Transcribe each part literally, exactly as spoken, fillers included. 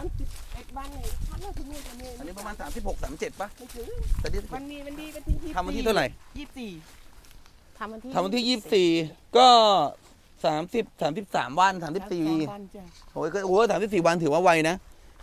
ามสิบเอ็ดวันเลยทันแล้วถึงนู่นจะเนี่ยอันนี้ประมาณสามสิบหก สามสิบเจ็ดป่ะไม่ถึงแต่นี่วันนี้วันนี้วันที่ยี่สิบทำวันที่เท่าไหร่ยี่สิบสี่ทำวันที่ทำวันที่ยี่สิบสี่ก็สามสิบ สามสิบสามวันสามสิบสี่วันจ้ะโอ้ยก็โอ้สามสิบสี่วันถือว่าไวนะ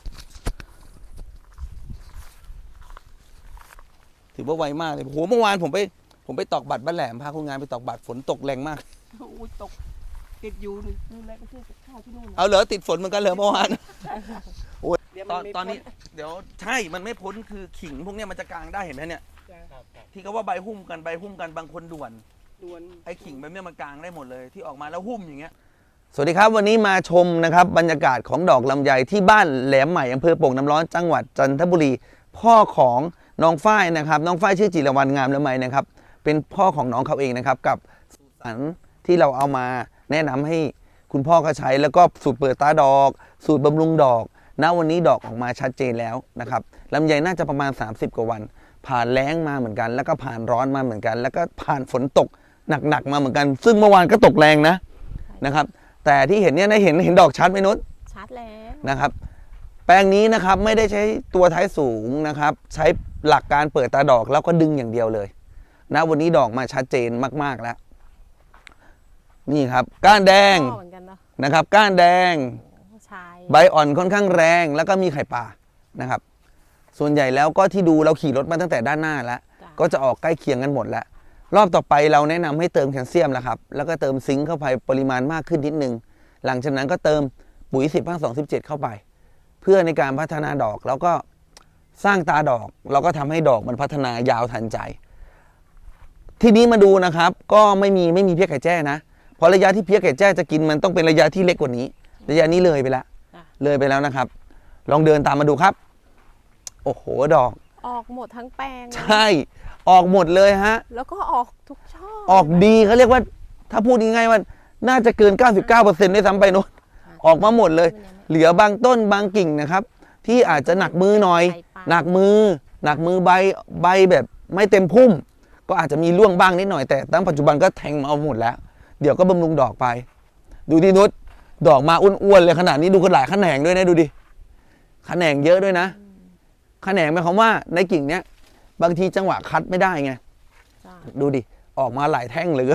ถือว่าไวมากเลยโหเมื่อวานผมไปผมไปตอกบัตรบ้านแหลมพาคนงานไปตอกบัตรฝนตกแรงมากโอ้ยตกติดอยู่นี่ดูแลไปซื้อกับข้าวที่นู่นนะเอาเหรอติดฝนเหมือนกันเหรอเมื่อวานโอ้ยเดี๋ยวตมัอนไม่ตอนนี้พ้เดี๋ยวใช่มันไม่พ้นคือขิงพวกเนี้ยมันจะกลางได้เห็นไหมเนี่ยจ้ะที่เขาว่าใบหุ้มกันใบหุ้มกันบางคนด่วนด่วนไอ้ขิงแบบเนี้ยมันกลางได้หมดเลยที่ออกมาแล้วหุ้มอย่างเงี้ยสวัสดีครับวันนี้มาชมนะครับบรรยากาศของดอกลำไยที่บ้านแหลมใหม่อำเภอโป่งน้ำร้อนจังหวัดจันทบุรีพ่อของน้องฝ้ายนะครับน้องฝ้ายชื่อจิรวรรณงามละไมนะครับเป็นพ่อของน้องเขาเองนะครับกับสูตรสรรที่เราเอามาแนะนำให้คุณพ่อเขาใช้แล้วก็สูตรเปิดตาดอกสูตรบำรุงดอกณวันนี้ดอกออกมาชัดเจนแล้วนะครับลำไยน่าจะประมาณสามสิบกว่าวันผ่านแล้งมาเหมือนกัน แล้วก็ผ่านร้อนมาเหมือนกัน แล้วก็ผ่านฝนตกหนักๆมาเหมือนกันซึ่งเมื่อวานก็ตกแรงนะนะครับแต่ที่เห็นเนี่ยได้เห็นเห็นดอกชัดไหมนุชชัดแล้วนะครับแปลงนี้นะครับไม่ได้ใช้ตัวท้ายสูงนะครับใช้หลักการเปิดตาดอกแล้วก็ดึงอย่างเดียวเลยนะวันนี้ดอกมาชัดเจนมากๆแล้วนี่ครับก้านแดงพ่อเหมือนกันเนาะนะครับก้านแดงชายใบอ่อนค่อนข้างแรงแล้วก็มีไข่ปลานะครับส่วนใหญ่แล้วก็ที่ดูเราขี่รถมาตั้งแต่ด้านหน้าแล้วก็จะออกใกล้เคียงกันหมดแล้วรอบต่อไปเราแนะนำให้เติมแคลเซียมแล้วครับแล้วก็เติมซิงค์เข้าไปปริมาณมากขึ้นนิดนึงหลังจากนั้นก็เติมปุ๋ยสิบห้าสองสิบเจ็ดเข้าไปเพื่อในการพัฒนาดอกแล้วก็สร้างตาดอกเราก็ทำให้ดอกมันพัฒนายาวทันใจทีนี้มาดูนะครับก็ไม่มีไม่มีเพี้ยไก่แจ้นะเพราะระยะที่เพี้ยไก่แจ้จะกินมันต้องเป็นระยะที่เล็กกว่านี้ระยะนี้เลยไปแล้วเลยไปแล้วนะครับลองเดินตามมาดูครับโอ้โหดอกออกหมดทั้งแปลงใช่ออกหมดเลยฮะแล้วก็ออกทุกช่อออกดีเขาเรียกว่าถ้าพูดง่ายๆว่าน่าจะเกิน เก้าสิบเก้าเปอร์เซ็นต์ ด้วยซ้ำไปโน้นออกมาหมดเลยเหลือบางต้นบางกิ่งนะครับที่อาจจะหนักมือหน่อยหนักมือหนักมือใบใบแบบไม่เต็มพุ่มก็อาจจะมีร่วงบ้างนิดหน่อยแต่ตั้งปัจจุบันก็แทงมาเอาหมดแล้วเดี๋ยวก็บำรุงดอกไปดูดินุชดอกมาอ้วนๆเลยขนาดนี้ดูขนาดแขนงด้วยนะดูดิแขนงเยอะด้วยนะแขนงหมายความว่าในกิ่งเนี้ยบางทีจังหวะคัดไม่ได้ไงดูดิออกมาหลายแท่งเลย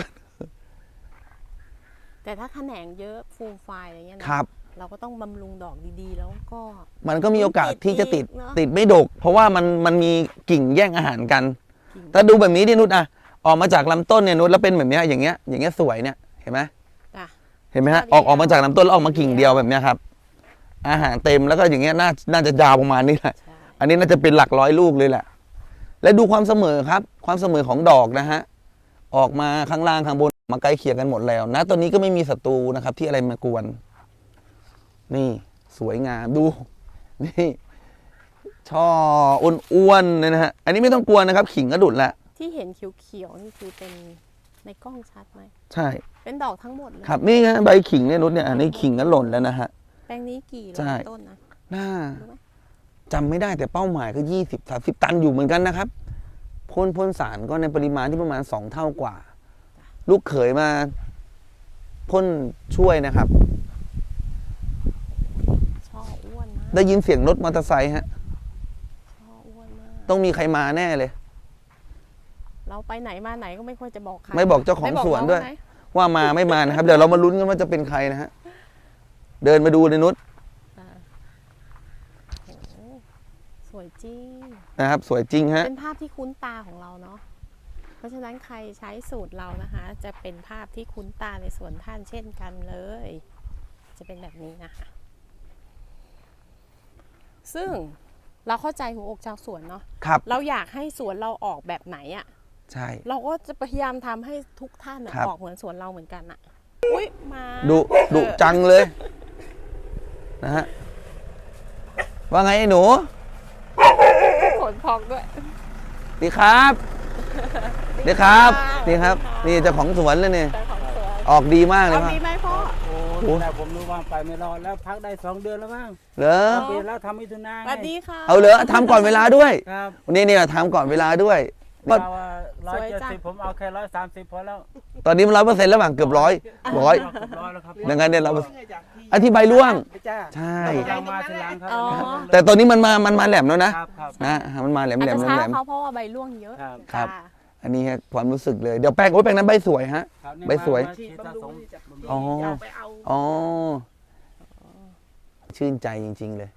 แต่ถ้าแขนงเยอะฟูมไฟอะไรเงี้ยนะครับเราก็ต้องบำรุงดอกดีๆแล้วก็มันก็มีโอกาสที่จะติดติดอีกเนอะติดไม่ดก เพราะว่ามันมันมีกิ่งแย่งอาหารกันถ้าดูแบบนี้ดินุชอะออกมาจากลำต้นเนี่ยนุชแล้วเป็นแบบเนี้ยอย่างเงี้ยอย่างเงี้ยสวยเนี่ยเห็นไหมจ้ะเห็นไหมฮะออกออกมาจากลำต้นแล้วออกมากิ่งเดียวแบบเนี้ยครับอาหารเต็มแล้วก็อย่างเงี้ยน่าน่าจะยาวประมาณนี้แหละใช่อันนี้น่าจะเป็นหลักร้อยลูกเลยแหละและดูความเสมอครับความเสมอของดอกนะฮะออกมาข้างล่างข้างบนมาใกล้เคียงกันหมดแล้วนะตอนนี้ก็ไม่มีศัตรูนะครับที่อะไรมากวนนี่สวยงามดูนี่ช่ออ้วนๆเลยนะฮะอันนี้ไม่ต้องกลัวนะครับขิงก็ดุดแล้วที่เห็นเขียวๆนี่คือเป็นในกล้องชัดไหมใช่เป็นดอกทั้งหมดเลยครับนี่ฮะใบขิงเนี่ยนุชเนี่ยอันนี้ขิงก็หล่นแล้วนะฮะแปลงนี้กี่ใช่ต้นนะน่ารู้ไหมจำไม่ได้แต่เป้าหมายก็ยี่สิบสามสิบตันอยู่เหมือนกันนะครับพ่นพ่นสารก็ในปริมาณที่ประมาณสองเท่ากว่า ลูกเขยมาพ่นช่วยนะครับช่ออ้วนมากได้ยินเสียงรถมอเตอร์ไซค์ฮะช่ออ้วนมากต้องมีใครมาแน่เลยเราไปไหนมาไหนก็ไม่ค่อยจะบอกใครไม่บอกเจ้าของไม่บกสวนด้วยน้องไหมว่ามาไม่มานะครับ เดี๋ยวเรามาลุ้นกันว่าจะเป็นใครนะฮะเดินมาดูเลยนุชอ่าโอ้โหสวยจริงนะครับ สวยจริงฮะเป็นภาพที่คุ้นตาของเราเนาะ เพราะฉะนั้นใครใช้สูตรเรานะคะ จะเป็นภาพที่คุ้นตาในสวนท่านเช่นกันเลย จะเป็นแบบนี้นะคะ ซึ่งเราเข้าใจหัวอกชาวสวนเนาะครับเราอยากให้สวนเราออกแบบไหนอะใช่เราก็จะพยายามทำให้ทุกท่านอะครับออกเหมือนสวนเราเหมือนกันอะอุ้ยมาดุดุเออจังเลยนะฮะว่าไงไอ้หนูขนพองด้วยดีครับดีครับดีครับนี่เจ้าของสวนเลยเนี่ยแต่ของสวนออกดีมากเลยเอาพ่อดีไหมพ่อโอ้แต่ผมรู้ว่าไปไม่รอดแล้วพักได้สองเดือนแล้วมั้งเหรอปีแล้วทำมิถุนาสไงวัสดีค่ะเอาเหรอทำก่อนเวลาด้วยครับวันนี้เนี่ยทำก่อนเวลาด้วยว่าเราว่าร้อยเจ็ดสิบผมเอาแค่ร้อยสามสิบพอแล้วตอนนี้มันร้อยเปอร์เซ็นต์แล้วบ้างเกือบร้อยร้อยเกือบร้อยแล้วครับดังนั้นเนี่ยเราจากที่อันที่ใบร่วงจ้าใช่เรามาทีหลังครับอ๋อแต่ตอนนี้มันมามันมาแหลมแล้วนะครับครับนะมันมาแหลมอาจแหลมจะแหลช้ามแหลมเขาเพราะว่าใบร่วงเยอะครับครับจ้าอันนี้ฮะความรู้สึกเลยเดี๋ยวแป้งโอ้ยแป้งนั้นใบสวยฮะครับนี่ใบสวยมาฉีดฉีดสะบำรุสงมที่จะอ๋ออย่าไปเอาอ๋อชื่นใจจริง ๆเลย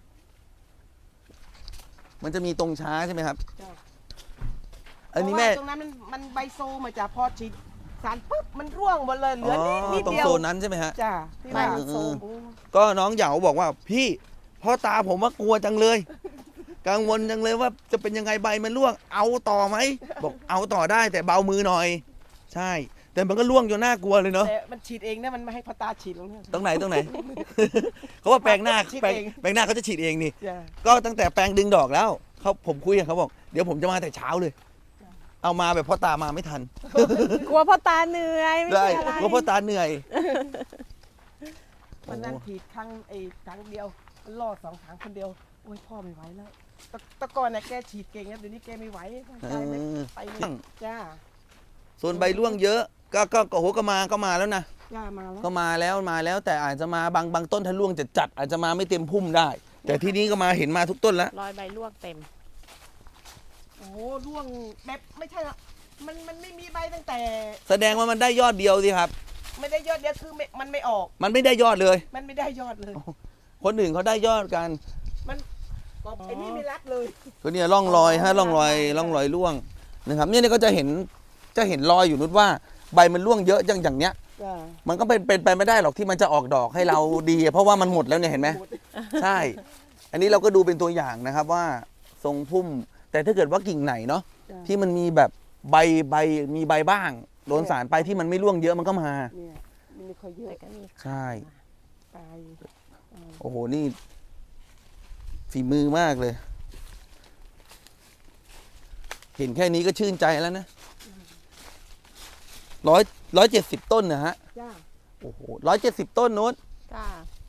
มันจะมีตรงช้าใช่ไหมครับจ้ะอันนี้แม่เพราะว่าตรงนั้นมันมันใบโซมาจากพอฉีดสารปุ๊บมันร่วงหมดเลยเหลือนิดนิดตรงเดียวโซนนั้นใช่ไหมฮะจ้าที่ใบว่ามันโซมโอ้ก็น้องเหยาบอกว่าพี่พ่อตาผมว่ากลัวจังเลย กังวลจังเลยว่าจะเป็นยังไงใบมันร่วง เอาต่อไหมบอกเอาต่อได้แต่เบามือหน่อย ใช่ แต่มันก็ร่วงจนน่ากลัวเลยเนาะแต่มันฉีดเองนะมันไม่ให้พ่อตาฉีดลงเนี่ยตรงไหนตรงไหน เขาว่าแปลงหน้าฉีดแปลงเองแปลงหน้าเขาจะฉีดเองนี่จ้าก็ตั้งแต่แปลงดึงดอกแล้วเขาผมคุยกับเขาบอกเดี๋ยวผมจะมาแต่เช้าเลย เอามาแบบพ่อตามาไม่ทันกลัวพ่อตาเหนื่อยไม่ได้ใช่อะไรเพราะพ่อตาเหนื่อยวันนั้นฉีดครั้งไอ้ครั้งเดียวมันรอดสองครั้งคนเดียวโอ้ยพ่อไม่ไหวแล้วแตแตะก่อนน่ะแกฉีดเก่งนะเดี๋ยวนี้แกไม่ไหวร่างกายไม่เออไปเลยจ้าส่วนใบร่วงเยอะ ก็ก็ก็โหก็มาก็มาแล้วนะจ้ามาแล้วก็มาแล้วมาแล้วแต่อาจจะมาบางบางต้นถ้าร่วงจะจัดอาจจะมาไม่เต็มพุ่มได้ แต่ที่นี้ก็มาเห็นมาทุกต้นแล้วรอยใบร่วงเต็มโอ้โหร่วงแบบไม่ใช่ละมันมันไม่มีใบตั้งแต่แสดงว่ามันได้ยอดเดียวสิครับไม่ได้ยอดเดียวคือไม่มันไม่ออกมันไม่ได้ยอดเลยมันไม่ได้ยอดเลยคนอื่นเขาได้ยอดกันมันก็ไอ้นี่ไม่รัดเลยก็เนี่ยร่องรอยฮะร่องรอยร่องรอยร่วงนะครับเนี่ยเนี่ยก็จะเห็นจะเห็นรอยอยู่นุชว่าใบมันร่วงเยอะอย่างอย่างเนี้ยจ้ามันก็เป็นเป็นไปไม่ได้หรอกที่มันจะออกดอกให้เราดี เพราะว่ามันหมดแล้วเนี่ยเห็นไหมหมดใช่ อันนี้เราก็ดูเป็นตัวอย่างนะครับว่าทรงพุ่ม แต่ถ้าเกิดว่ากิ่งไหนเนาะจ้ะที่มันมีแบบใบใบมีใบบ้าง โดนสารไปที่มันไม่ร่วงเยอะมันก็มาเนี่ยมันไม่ค่อยเยอะแต่ก็มีใช่ตายโอ้โหนี่ฝีมือมากเลย เห็นแค่นี้ก็ชื่นใจแล้วนะร้อยร้อยเจ็ดสิบต้นนะฮะจ้าโอ้โหร้อยเจ็ดสิบต้นนู้นจ้า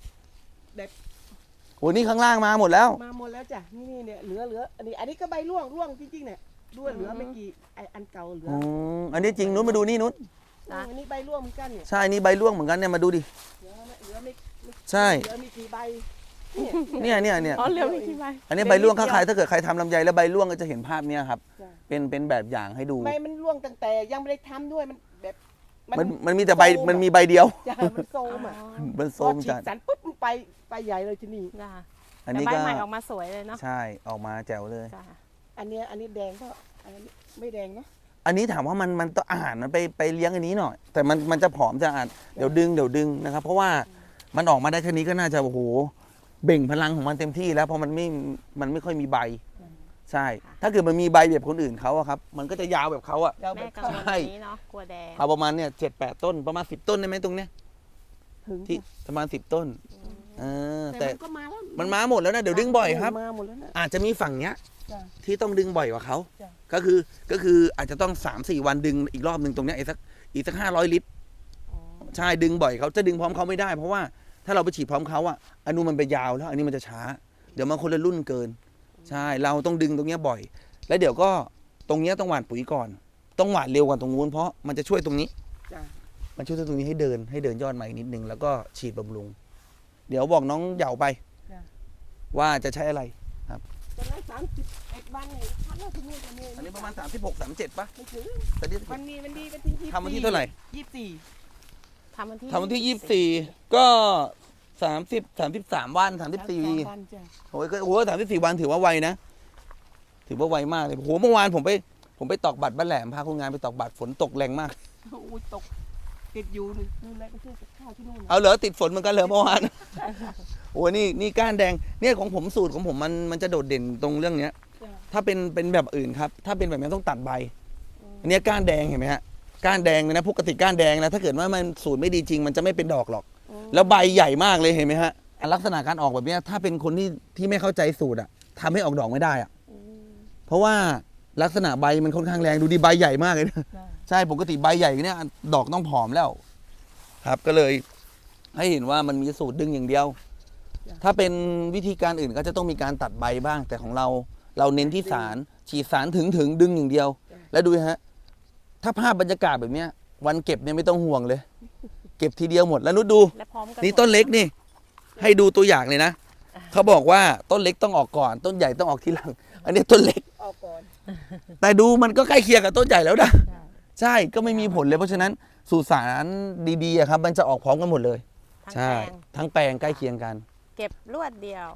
โอ้นี่ข้างล่างมาหมดแล้วมาหมดแล้วจ้ะนี่นี่เนี่ยเหลือเหลืออันนี้อันนี้ก็ใบร่วงร่วงจริงๆเนี่ยร่วงเหลือไม่กี่ไออันเก่าเหลืออืมอันนี้จริงนุ้นมาดูนี่นุ้นอันนี้ใบร่วงเหมือนกันเนี่ยใช่นี่ใบร่วงเหมือนกันเนี่ยมาดูดิเหลือไม่เหลือไม่ไม่ใช่เหลือมีกี่ใบเนี่ยเนี่ยเนี่ยอ๋อเหลือไม่กี่ใบอันนี้ใบร่วงถ้าใครถ้าเกิดใครทำลำไยแล้วใบร่วงก็จะเห็นภาพเนี้ยครับจ้ะเป็นเป็นแบบอย่างให้ดูใบมันร่วงตั้งแต่ยังไม่ได้ทำด้วยมันแบบมันมันมีแต่ใบมันมีใบเดียวจ้ะมันโซมอ่ะมันพโซอมฉีจัดดสารปุ๊บมันไปไปใหญ่เลยที่นี่จ้าอันแต่นี้ใบก็ใหม่ออกมาสวยเลยเนาะใช่ออกมาแจ๋วเลยจ้าอันเนี้ยอันนี้แดงก็อันนี้ไม่แดงเนาะอันนี้ถามว่ามันมันต้องอาหารมันไปไปเลี้ยงอันนี้หน่อย แต่มันมันจะผอมจะอาจเดี๋ยวดึงเดี๋ยวดึงนะครับ เพราะว่ามันออกมาได้แค่นี้ก็น่าจะโอ้โหเบ่งพลังของมันเต็มที่แล้วเพราะมันไม่มันไม่ค่อยมีใบ ใช่ ถ้าเกิดมันมีใบแบบคนอื่นเขาอะครับ มันก็จะยาวแบบเขาอะเราแม่แบบกังเข้าวลใช่นี้เนาะกลัวแดงเอาประมาณเนี่ยเจ็ดแปดต้นประมาณสิบต้นได้ไหมตรงเนี้ยถึงที่ประมาณสิบต้นเออแต่แต่มันก็มาแล้วมันมาหมดแล้วนะเดี๋ยวดึงบ่อยครับมาหมดแล้วนะอาจจะมีฝั่งเนี้ยจ้ะที่ต้องดึงบ่อยกว่าเขาจ้ะก็คือก็คืออาจจะต้องสามสี่วันดึงอีกรอบหนึ่งตรงเนี้ยอีกสักอีกสักห้าร้อยลิตรอ๋อใช่ดึงบ่อยเขาจะดึงพร้อมเขาไม่ได้ เพราะว่าถ้าเราไปฉีดพร้อมเขาอะอนุมันไปยาวแล้ว อันนี้มันจะช้า เดี๋ยวมันคนละรุ่นเกิน ใช่เราต้องดึงตรงเนี้ยบ่อย แล้วเดี๋ยวก็ตรงเนี้ยต้องหว่านปุ๋ยก่อน ต้องหว่านเร็วกว่าตรงนู้นเพราะมันจะช่วยตรงนี้จ้ะมันช่วยตรงนี้ให้เดินให้เดินยอดใหม่นิดนึงแล้วก็ฉีดบำรุง เดี๋ยวบอกน้องเหยาไปจ้ะว่าจะใช้อะไรตอนนั้นสามสิบเอ็ดวันเนี่ยพักแล้วที่นี่จะมีอันนี้ประมาณสามสิบหก สามสิบเจ็ดป่ะไม่ถึงแต่นี่วันนี้วันนี้วันที่ยี่สิบทำวันที่เท่าไหร่ยี่สิบสี่ทำวันที่ทำวันที่ยี่สิบสี่ก็สามสิบสามสิบสามวันสามสิบสี่วันจ้ะโอ้ยก็โอ้สามสิบสี่วันถือว่าไวนะ ถือว่าไวมากเลยโอ้โหเมื่อวานผมไปผมไปตอกบัตรบ้านแหลมพาคนงานไปตอกบัตรฝนตกแรงมากโอ้ยตกติดอยู่นี่นู่นแหละไปซื้อกับข้าวที่นู่นน่ะเอาเหรอติดฝนเหมือนกันเหรอเมื่อวาน โอ้ยนี่นี่ก้านแดงเนี่ยของผมสูตรของผมมันมันจะโดดเด่นตรงเรื่องเนี้ยจ้ะถ้าเป็นเป็นแบบอื่นครับ ถ้าเป็นแบบนี้ต้องตัดใบ อันเนี้ยก้านแดงเห็นไหมฮะ ก้านแดงเลยนะปกติก้านแดงนะถ้าเกิดว่ามันสูตรไม่ดีจริง มันจะไม่เป็นดอกหรอกอืมแล้วใบใหญ่มากเลยเห็นไหมฮะ ลักษณะการออกแบบเนี้ยถ้าเป็นคนที่ที่ไม่เข้าใจสูตรอะทำให้ออกดอกไม่ได้อะอืมเพราะว่าลักษณะใบมันค่อนข้างแรงดูดิใบใหญ่มากเลยนะจ้ะใช่ปกติใบใหญ่เนี่ยดอกต้องผอมแล้ว ครับก็เลย ให้เห็นว่ามันมีสูตรดึงอย่างเดียว ถ้าเป็นวิธีการอื่นก็จะต้องมีการตัดใบบ้าง แต่ของเราเราเน้นที่สารฉีดสารถึงถึงดึงอย่างเดียว แล้วดูฮะ ถ้าภาพบรรยากาศแบบเนี้ย วันเก็บเนี่ยไม่ต้องห่วงเลย เก็บทีเดียวหมดแล้วนุชดูและพร้อมกันนี่ต้นเล็กนี่ให้ดูตัวอย่างเลยนะเขาบอกว่าต้นเล็กต้องออกก่อน ต้นใหญ่ต้องออกทีหลัง อันนี้ต้นเล็กออกก่อนแต่ดูมันก็ใกล้เคียงกับต้นใหญ่แล้วนะใช่ใช่ก็ไม่มีผลเลยเพราะฉะนั้นสูตรสารดีๆอะครับมันจะออกพร้อมกันหมดเลยทั้งใช่แปลงทั้งแปลงใกล้เคียงกันเก็บรวดเดียว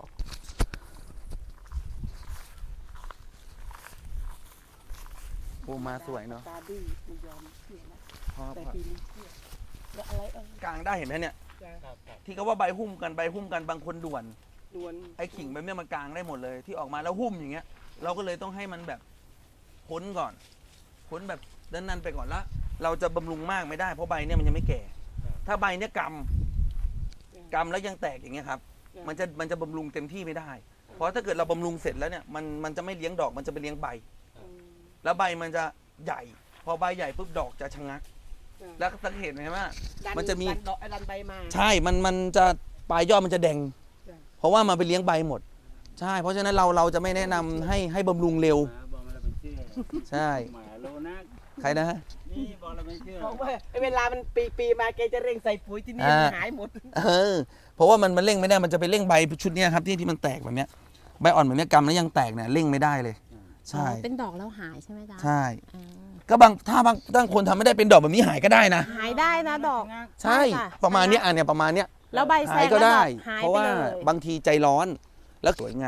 โอ้มาสวยเนาะตาดื้อไม่ยอมเชื่อนะพอแต่พอปีนี้เชื่อแล้วอะไรเออกลางได้เห็นไหมเนี่ยจะครับครับที่เขาว่าใบหุ้มกันใบหุ้มกันบางคนด่วนดวนไอ้ขิงแบบเนี้ยมันกลางได้หมดเลย ที่ออกมาแล้วหุ้มอย่างเงี้ย เราก็เลยต้องให้มันแบบพ้นก่อนพ้นแบบด้านนั้นไปก่อนละเราจะบำรุงมากไม่ได้เพราะใบเนี่ยมันยังไม่แก่ ถ้าใบเนี่ยกำกำแล้วยังแตกอย่างเงี้ยครับ มันจะมันจะบำรุงเต็มที่ไม่ได้ เพราะถ้าเกิดเราบำรุงเสร็จแล้วเนี่ยมันมันจะไม่เลี้ยงดอกมันจะไปเลี้ยงใบอืมแล้วใบมันจะใหญ่ พอใบใหญ่ปุ๊บดอกจะชะงักอ่าแล้วสังเกตไหมว่าดัมันจะมีดันดอกไอ้ดันใบมาใช่ มันมันจะปลายยอดมันจะแดงจ้ะเพราะว่ามันไปเลี้ยงใบหมด ใช่ เพราะฉะนั้นเราเราจะไม่แนะนำให้ให้บำรุงเร็วหมาบอกมาแล้วเป็นเชื่อใช่หมาโลนักใครนะฮะนี่บอกแล้วไม่เชื่อเพราะว่าไอ้เวลามันปีปีๆมาแกจะเร่งใส่ปุ๋ยที่นี่อ่ามันหายหมดเออ เพราะว่ามันมันเร่งไม่ได้ มันจะไปเร่งใบชุดเนี้ยครับที่ที่มันแตกแบบเนี้ย ใบอ่อนแบบเนี้ยกำแล้วยังแตกเนี่ยเร่งไม่ได้เลย ใช่อ๋อเป็นดอกแล้วหายใช่ไหมจ๊ะใช่อ่าก็บางถ้าบางบางคนทำไม่ได้เป็นดอกแบบนี้หายก็ได้นะหายได้นะดอกใช่ใช่ค่ะประมาณเนี้ยอ่ะเนี่ยประมาณเนี้ยแล้วใบแซหายงก็แล้วดได้อกหายเพราะไปว่าเลยบางทีใจร้อนแล้วสวยงาม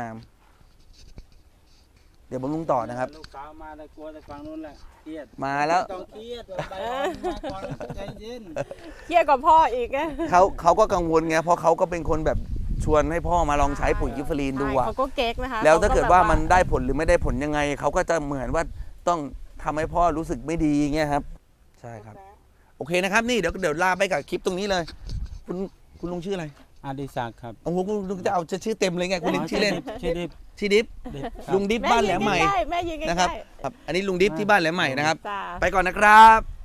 เดี๋ยวบำรุงต่อนะครับลูกสาวมาแต่กลัวแต่ฟังนู้นแหละเครียดมาแล้วต้องเครียดว่าใบอ่อนมาก่อนใจเย็นเครียดกว่าพ่ออีกอะเขาเขาก็กังวลไงเพราะเขาก็เป็นคนแบบชวนให้พ่อมาลองใช้ปุ๋ยกิฟเฟอรีนดูใช่อะเขาก็เก๊กนะคะแล้วถ้าเกิดว่ามันขแบบได้ผลหรือไม่ได้ผลยังไงเขาก็จะเหมือนว่าต้องทำให้พ่อรู้สึกไม่ดีเงี้ยครับ ใช่ครับ โอเคนะครับนี่เดี๋ยวเดี๋ยวลาไปกับคลิปตรงนี้เลย คุณคุณลุงชื่ออะไรอดิศักดิ์ครับโอ้โหคุณลุงจะเอาชื่อเต็มเลยไงคุณลุงชื่อเล่นชื่อดิบชื่อดิฟดิบครับลุงดิฟบ้านแหลมใหม่แยืนใกล้ๆแม่ยืนใกล้ๆนะครับครับ อันนี้ลุงดิฟที่บ้านแหลมใหม่นะครับจ้าไปก่อนนะครับ